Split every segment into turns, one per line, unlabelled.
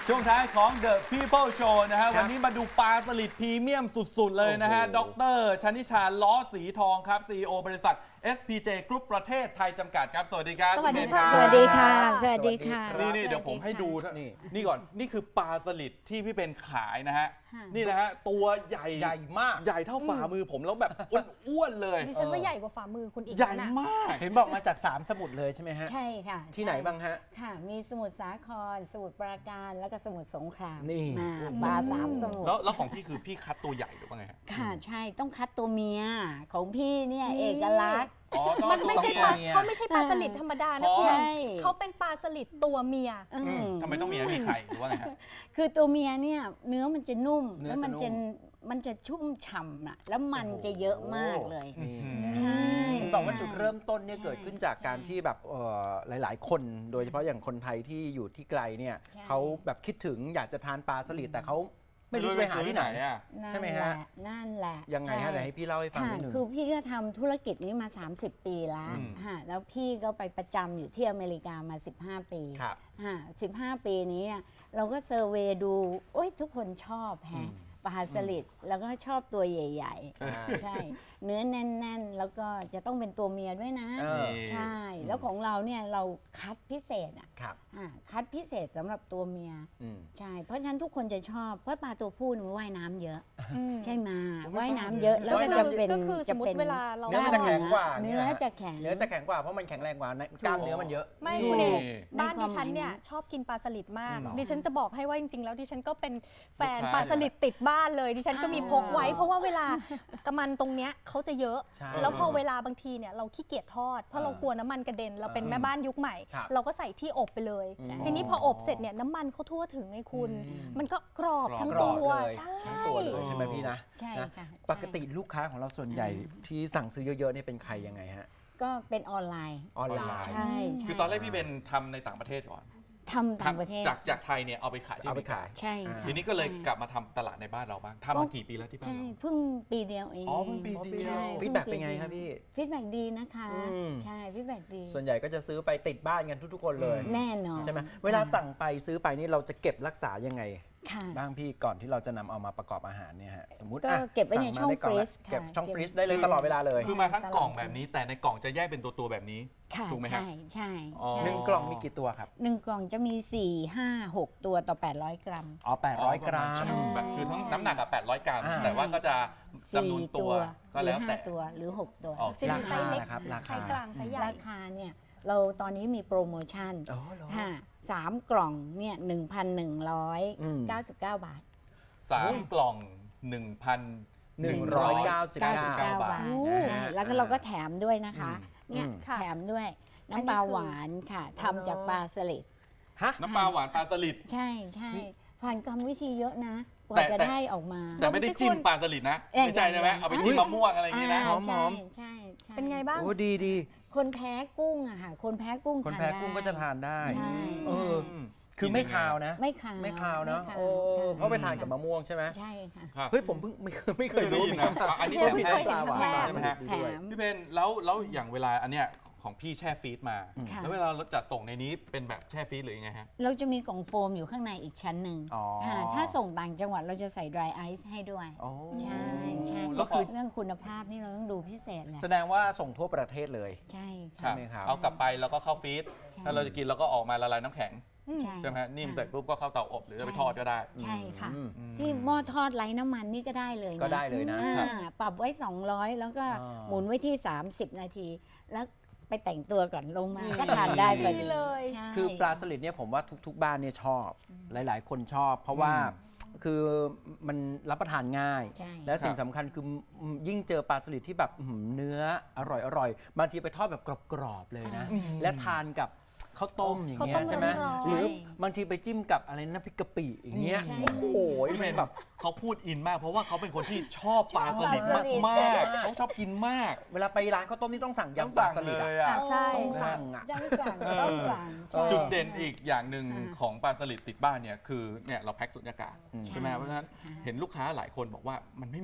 ช่วงท้ายของ The People Show นะฮะวันนี้มาดูปลาสลิดพรีเมียมสุดๆเลยนะฮะดร.ชนิชาล้อสีทองครับ CEO บริษัท SPJ Group ประเทศไทยจำกัดครับสวัสดีครับ
สวัสดีค่ะ
สวัสดีค่ะ สวัสดีค่ะ
นี่เดี๋ยวผมให้ดูนี่ก่อนนี่คือปลาสลิดที่พี่เป็นขายนะฮะนี่นะฮะตัวใหญ่
มาก
ใหญ่เท่าฝ่ามือผมแล้วแบบอ้วนๆเลย
ดิฉันว่าใหญ่กว่าฝ่ามือคุณอีก
ใหญ่
นะ
มาก
เห็นบอกมาจาก3สมุทรเลยใช่ไหมฮะ
ใช่ค่ะ
ที่ไหนบ้างฮะ
ค่ะ มีสมุทรสาคร สมุทรปราการ แล้วก็สมุทรสงคราม
นี่
ปลาสามสมุทร
แล้วของพี่คือพี่คัดตัวใหญ่หรือว่าไงฮะ
ค่ะ ใช่ ต้องคัดตัวเมีย ของพี่เนี่ยเอกลักษณ์
อ๋อต้อง
มันไม่ใช่ปลา
ตัวเมีย
เขาไม่ใช่ปลาสลิดธรรมดานะคุณ
ใช่
เขาเป็นปลาสลิดตัวเมีย
ทำไมต้องมีมีไข่หรือว่าไงฮะ
คือตัวเมียเนี่ยเนื้อมันจะนุ่ม
เนื้อ
แล้วมัน
จะ
จะ
นุ่ม
มันจะชุ่มฉ่ำอะแล้วมันจะเยอะมากเลย
นี่
ใช่
เห็นบอกว่าจุดเริ่มต้นเนี่ย
ใช่
เกิดขึ้นจากการที่แบบหลาย ๆ คน โดยเฉพาะอย่างคนไทยที่อยู่ที่ไกลเนี่ย
ใช่
เขาแบบคิดถึงอยากจะทานปลาสลิดแต่เขาไม่รู้จะไปหาที่ไหน
อ่ะ
ใช่ไหมฮะ
นั่นแหละ
ยังไงฮะเดี๋ยวให้พี่เล่าให้ฟัง
ค่ะ
นิดนึง
คือพี่ก็ทำธุรกิจนี้มา 30 ปีแล้ว
อืม
ฮะแล้วพี่ก็ไปประจำอยู่ที่อเมริกามา 15 ปี
ครับ
ฮะ15 ปีนี้เนี่ยเราก็เซอร์เวย์ดูโอ้ยทุกคนชอบแฮะปลาสลิดแล้วก็ชอบตัวใหญ่ ๆ ใช่ เนื้อแน่น ๆ แล้วก็จะต้องเป็นตัวเมียด้วยนะ
เออ
ใช่ แล้วของเราเนี่ยเราคัดพิเศษอ่ะ
ครับ
คัดพิเศษสำหรับตัวเมีย
อืม
ใช่ เพราะฉะนั้นทุกคนจะชอบ เพราะปลาตัวผู้เนี่ยมันว่ายน้ำเยอะ
อืม
ใช่ไหม
ผมไม่
ว่าย
ทราบ
น้ำเยอะ
เลย
แล้วก็จะเป็น
ก็คือสมมติเวลาเรา
เนื้อมันจะแข็งกว่า
เนื้อจะแข็ง
เนื้อจะแข็งกว่าเพราะมันแข็งแรงกว่ากล้ามเนื้อมันเยอะ
ไม่
นี่
คุณเอก
ใน
บ้าน
ความ
ดิฉันเนี่ย
หมายนะ
ชอบกินปลาสลิดมาก
หรอ
ดิฉันจะบอกให้ว่าจริงๆแล้วดิฉันก็เป็นแฟน
ลูกชาย
ปลาสลิดติดบ้านเลย ดิฉันก็มีพกไว้ เพราะว่าเวลากระมันตรงเนี้ยเขาจะเยอะ
ใช่
แล้วพอเวลาบางทีเนี่ยเราขี้เกียจทอด เพราะเรากลัวน้ำมันกระเด็น เราเป็นแม่บ้านยุคใหม่
ครับ
เราก็ใส่ที่อบไปเลย ทีนี้พออบเสร็จเนี่ยน้ำมันเขาทั่วถึงไงคุณ มันก็กรอบทั้ง
กร
ตั
อบ
ว
เลย
ใช่
ทั้งตัวเลยใช่ไหมพี่นะ
ใช่
นะ
ค่ะ
ปกติลูกค้าของเราส่วนใหญ่ที่สั่งซื้อเยอะๆเนี่ยเป็นใครยังไงฮะ
ก็เป็นออนไลน์
ออนไลน์
ใช่ใช่
คือตอนแรกพี่เป็นทำในต่างประเทศก่อน
ทำต่างประเทศ
จากไทยเนี่ยเอาไปขายที่
เอาไปขาย
ใช่ค่ะ
ทีนี้ก็เลยกลับมาทำตลาดในบ้านเราบ้างทำมากี่ปีแล้วที่บ้าน
ใช่
เรา
เพิ่งปีเดียวเอง
อ๋อเพิ่งปีเดียว
ใช่
ฟีดแบ็กเป็นไงครับพี่
ฟีดแบ็กดีนะคะ
อืม
ใช่ฟีดแบ็กดี
ส่วนใหญ่ก็จะซื้อไปติดบ้านกันทุกๆคนเลย
แน่นอน
ใช่ไหมเวลาสั่งไปซื้อไปนี่เราจะเก็บรักษายังไง
ค่ะ
บ้างพี่ก่อนที่เราจะนำเอามาประกอบอาหารเนี่ยฮะสมมติ
ก็
อ่ะ
เก็บไว้ใน
สั่มาด้กล่ละ
ช่องฟรีซค่ะ
เก็บช่อง
เก็บ
ฟรีซได้เลยตลอดเวลาเลย
คือมาทั้งกล่องแบบนี้แต่ในกล่องจะแยกเป็นตัวแบบนี้
ค่ะ
ถูกไหมครับ
ใช่ใช่
อ๋อ
ใช่
หนึ่งกล่องมีกี่ตัวครับ
หนึ่งกล่องจะมี 4 5 6 ตัวต่อ 800 กรัม
อ๋อ800 กรัม
ใช่แบบคือทั้งน้ำหนักกับ800 กรัม
อ่า
แต่ว่าก็จะจำนวน
4
ตัวก็
หรื
แล้
อ
วแต่
5 ตัวหรือ 6 ตัว
อ๋อ
จะมีไซส์เล็ก
ราคานะครับราคา
ไซส์กลางไซส์ใหญ่
ราคาเนี่ยเราตอนนี้มีโปรโมชั่น
อ๋อเหรอ
ค่ะ3 กล่องเนี่ย1,199 บาท
3 กล่อง 1,199
99 บาท ใช่ แล้วก็เราก็แถมด้วยนะคะ เนี่ย
ค่ะ
แถมด้วยน้ำปลาหวานค่ะทำจากปลาสลิด
ฮะ
น้ำปลาหวานปลาสลิด
ใช่ใช่ผ่านกรรมวิธีเยอะนะก
แต่
ว่าจะ
แต่
ได้ออกมา
แต่ไม่ได้จิ้มปลาสลิดนะ ไม่ใช่ใช่ไหมเอาไปจิ้มมะม่วงอะไรอย่างนี้นะ
หอม
ใช่ใช่ใช่
เป็นไงบ้าง
โอ้ดีดี
คนแพ้กุ้งอะค่ะ คนแพ้กุ้ง
คน
ทาน
แพ้
ได้
กุ้งก็จะทานได้
ใช่
เอ
ใช่
อ คือไม่คาวนะ
ไม่ขาว
ไม่คาวเนาะ
ไม่ขาว
โอ้
ค่ะ
เพราะไปทานกับมะม่วงใช่ไหม
ใช่ค่ะ
ครับ
เฮ้ยผมเพิ่งไม่เคยรู้
ไม่เคยได้ยินนะ
เหมืกั
อันนี้
เพิ่งเคยเห็น
ปลาหวาน
ครั้งแรก
ปลาสลิดด้วย
แถม
พี่เพนแล้วอย่างเวลาอันเนี้ยของพี่แช่ฟรีซมา
ค่ะ
แล้วเวลาเราจัดส่งในนี้เป็นแบบแช่ฟรีซหรือยังไงฮะ
เราจะมีกล่องโฟมอยู่ข้างในอีกชั้นหนึ่ง
อ๋อ
ค่ะถ้าส่งต่างจังหวัดเราจะใส่ dry ice ให้ด้วย
อ๋อ
ใช่ใช่
แล้วคือ
เรื่องคุณภาพนี่เราต้องดูพิเศษแหละ
แสดงว่าส่งทั่วประเทศเลย
ใช่
ใช่ไหมครับ
เอากลับไปแล้วก็เข้าฟรีซ
ใช่
ถ้าเราจะกินเราก็ออกมาละลายน้ำแข็ง ใช่ไหมฮะนิ่มเสร็จปุ๊บก็เข้าเตาอบหรือจะไปทอดก็ได้
ใช่ค่ะ
อืม
ที่หม้อทอดไร้น้ำมันนี่ก็ได้เลยนะ
ก็ได้เลยนะ
ปรับไว้ 200 แล้วก็
อ่า
หมุนไว้ที่ 30 นาที แล้วไปแต่งตัวก่อนลงมาก็ทานได้พอดี
ดีเลย
ใช่
คือปลาสลิดเนี่ยผมว่าทุกๆบ้านเนี่ยชอบ หลายๆ คนชอบ เพราะว่าคือมันรับประทานง่าย
ใช่
และสิ่งสำคัญคือยิ่งเจอปลาสลิดที่แบบเนื้ออร่อยบางทีไปทอดแบบกรอบๆเลยนะ และทานกับข้าวต้มอย่างเงี้ย
ข้าวต้ม
ใช่ไหม
ร้อนๆ
หรือบางทีไปจิ้มกับอะไรน้ำพริกกะปิอย่างเงี้ย
ใช่
โอ้โห
พี่เพ
มัน
น
แบบ
เขาพูดอินมากเพราะว่าเขาเป็นคนที่ชอบปลาสลิดมากๆเขาชอบกินมาก
เวลาไปร้านข้าวต้มนี่ต้องสั่งยำปลาสลิด
เล
อะ
ยอ่ะ
ใช่
ต้องสั่งอะ
ต้องสั่งต้องสั่งใช่
จุดเด่นอีกอย่างหนึ่ง
อ่า
ของปลาสลิดติดบ้านเนี่ยคือเนี่ยเราแพ็คสุญญากาศ
อืม
ใช่ไหมเพราะฉะนั้นเห็นลูกค้าหลายคนบอกว่ามันไม่เหม็น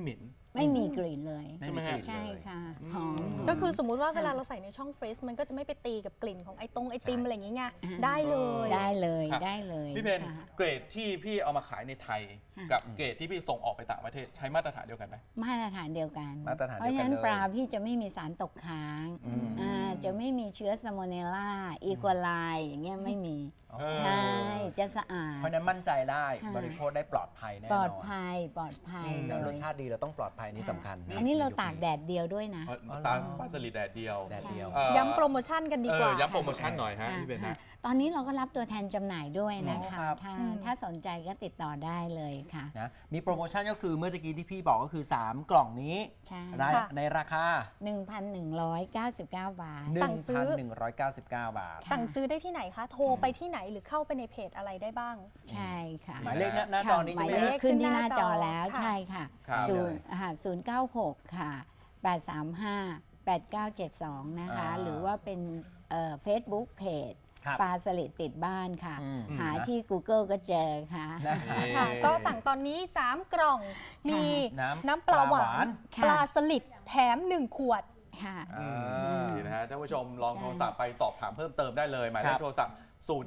ไม่มีกลิ่นเลย
ไม่มีกลิ่น
ใช่
เลย
ค่ะหอม
ก็คือสมมุติว่าเวลาเราใส่ในช่องฟรีซมันก็จะไม่ไปตีกับกลิ่นของไอติมอะไรอย่างงี้ไงได้เลย
ได้เลย
ครับ
ได้เลย
พี่เพน
ค่ะ
เกรดที่พี่เอามาขายในไทย กับเกรดที่พี่ส่งออกไปต่างประเทศใช้มาตรฐานเดียวกันไหม
มาตรฐานเดียวกัน
มาตรฐาน
เพ
เดียว
ราะ
กัน
ฉะนั้น
เลย
ปลาพี่จะไม่มีสารตกค้างจะไม่มีเชื้อสโมเนลล่าอีโคไลอย่างเงี้ยไม่มี ใช่จะสะอาด
เพราะฉะนั้นมั่นใจได้
ค่ะ
บริโภคได้ปลอดภัยแน่น
ป
อน
ลอดภัยปลอดภัย
แล้ว
เล
ร
ย
สชาติดีเราต้องปลอดภัยนี่สำคัญะ
อันนี้เราตากแดดเดียวด้วยนะ
ปลาสลิดแดดเดียว
แดดเดียว
ย้ำโปรโมชั่นกันดีกว่า
ย้ำโปรโมชั่นหน่อยฮะ
ค่ะ
พี่เพนนะ
ตอนนี้เราก็รับตัวแทนจำหน่ายด้วยนะ
อ๋อ
คะ
ครับ
ถ้าสนใจก็ติดต่อได้เลยค่ะ
นะมีโปรโมชั่นก็คือเมื่อกี้ที่พี่บอกก็คือ 3 กล่องนี้
ใช่
ได้
ค่ะ
ในราคา
1,199 บาท
สั่งซื้อ
1,199 บาท
สั่งซื้อได้ที่ไหนคะ โทรไปที่ไหนหรือเข้าไปในเพจอะไรได้บ้าง
ใช่ค่ะ
หมายเลขหน้าจอนี้
ห
ใช่
มาย
ไหม
เล
ฮะ
ขขึ้นที่หน้าจอ
ขึ้นหน้าจอ
แล้ว
ค่ะ
ใช่ค่ะ
ครับ
096 ค่ะ 835 8972 นะคะ หรือว่าเป็นFacebook Page
ครับ
ปลาสลิดติดบ้านค่ะ
อืม
หาที่ Google ก็เจอค่ะ
นะ
ค่ะ ก็สั่งตอนนี้ 3 กล่อง มี
น้ำ
น้ำปลาหวา
ปลาหวาน
น
ค่ะ
ปลาสลิดแถม 1 ขวด
ค่ะ
นี่นะฮะท่านผู้ชมลองโทรศัพท์ไปสอบถามเพิ่มเติมได้เลย หมายเล
ครั
ข
บ
โทรศัพท์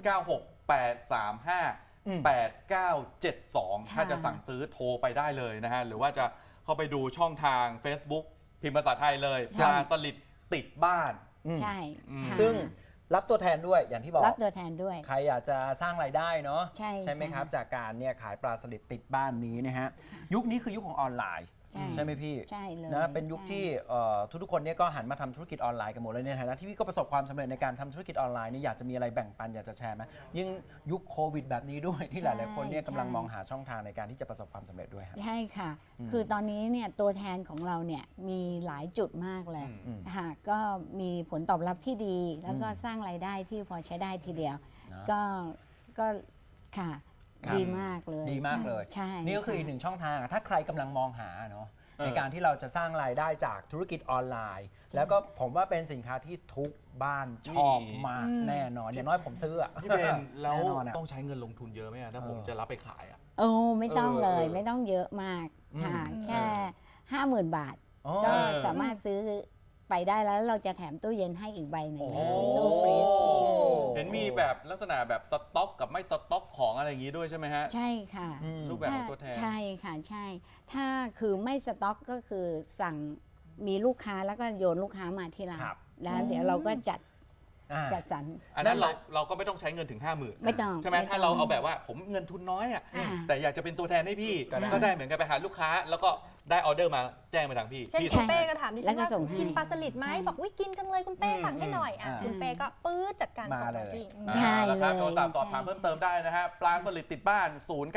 0968358972 ถ้าจะสั่งซื้อโทรไปได้เลยนะฮะ หรือว่าจะเข้าไปดูช่องทาง Facebook พิมพ์ภาษาไทยเลย
ใช่
ปลาสลิดติดบ้าน
ใช่
ค่ะ
ซึ่งรับตัวแทนด้วยอย่างที่บอก
รับตัวแทนด้วย
ใครอยากจะสร้างรายได้เนาะ
ใช่
ไหม
ค่ะ
ครับ จากการเนี่ยขายปลาสลิดติดบ้านนี้นะฮะ ยุคนี้คือยุคของออนไลน์
ใช่
ไหมพี่
ใช่เลย
นะเป็นยุคที่ทุกๆคนเนี่ยก็หันมาทำธุรกิจออนไลน์กันหมดเลยในฐานะที่พี่ก็ประสบความสำเร็จในการทำธุรกิจออนไลน์นี่อยากจะมีอะไรแบ่งปันอยากจะแชร์ไหมยิ่งยุคโควิดแบบนี้ด้วยที่หลายๆคนเนี่ยกำลังมองหาช่องทางในการที่จะประสบความสำเร็จด้วยครับ
ใช่ค่ะ คือตอนนี้เนี่ยตัวแทนของเราเนี่ยมีหลายจุดมากเลย
อืม
ค่ะก็มีผลตอบรับที่ดี แล้วก็สร้างรายได้ที่พอใช้ได้ทีเดียว
นะ
ก็ค่ะ
ครับ
ดีมากเลย
ดีมากเลย
ใช่
นี่ก็คืออีกหนึ่งช่องทางถ้าใครกำลังมองหาเนาะ ในการที่เราจะสร้างรายได้จากธุรกิจออนไลน์ แล้วก็ผมว่าเป็นสินค้าที่ทุกบ้านชอบมากแน่นอนอย่างน้อยผมซื้ออะ
พี่เพนแล้ว
แน่นอนอะ
ต้องใช้เงินลงทุนเยอะไหมอะถ้าผมจะรับไปขายอะ
โอ้ไม่ต้องเลย
เออ
ไม่ต้องเยอะมากค่ะแค่ 50,000 บาท
อ๋อ
ก็สามารถซื้อไปได้แล้วเราจะแถมตู้เย็นให้อีกใบหนึ่ง
โอ้
ตู้ฟรีซ
เห็นมีแบบลักษณะแบบสต็อกกับไม่สต็อกของอะไรอย่างนี้ด้วยใช่ไหมฮะ
ใช่ค่ะ
รูปแบบของตัวแทน
ใช่ค่ะใช่ ถ้าคือไม่สต็อกก็คือสั่งมีลูกค้าแล้วก็โยนลูกค้ามาที่ร้าน
ครับ
แล้วเดี๋ยวเราก็จัด
อ่า
สรร
อันนั้นเราก็ไม่ต้องใช้เงินถึง 50,000
ไม่ต้อง
ใช่ไหม
ไม่ต้อง
ถ้าเราเอาแบบว่าผมเงินทุนน้อยอ่ะ
อ่า
แต่อยากจะเป็นตัวแทนให้พี่
ก็ได้
ก็ได้เหมือนกันไปหาลูกค้า แล้วก็ได้ออเดอร์มาแจ้งไปทางพี่
เช่น
พี่
คุ
ส่
ณ
ง
เป้
ให้
ก็ถามดิ
แล้
ฉั
วน ก็
ว่า
ส่งให้
กินปลาสลิดไหม
ใช่
บอกวิกินจังเลยคุณเป้สั่งให้หน่อยอ่ะ
อ่า
คุณเป้ก็ปื๊ดจัดการส่ง
มาเลย
ทันที
ใช่
ราคา
เลย
โทรศัพท์สอบถามเพิ่มเติมได้นะฮะ ปลาสลิดติดบ้าน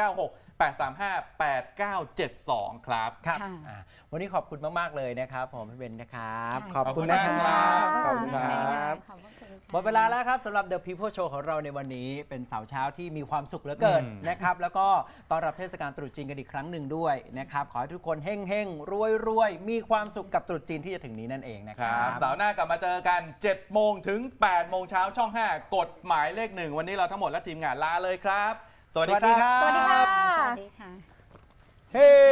0968358972 ครับ
ครับ
ค่ะ
อ่าวันนี้ขอบคุณมาก ๆ เลยนะครับผมพี่เบนนะครับ
ค่ะ
ขอบคุณนะ
ขอบคุณ
ค
ครั
รับ
บ
ขอบคุณครับ
ขอบพระคุณค่ะ
หมดเวลาแล้วครับสำหรับ The People Show ของเราในวันนี้เป็นเสาร์เช้าที่มีความสุขเหลือเกินนะครับแล้วก็ต้อนรับเทศกาลตรุษจีนกันอีกครั้งหนึ่งด้วยนะครับขอให้ทุกคนเฮ่งๆ รวยๆ มีความสุขกับตรุษจีนที่จะถึงนี้นั่นเองนะค
ค
รั
รับ
บ
เสาร์หน้ากลับมาเจอกัน 7 โมงถึง 8 โมงเช้าช่อง 5 กฎหมายเลข 1 วันนี้เราทั้งหมดและทีมงานลาเลยครับ สวัสดีครับ
สวัสดีค่ะ
สวัสดีค่ะ
เฮ้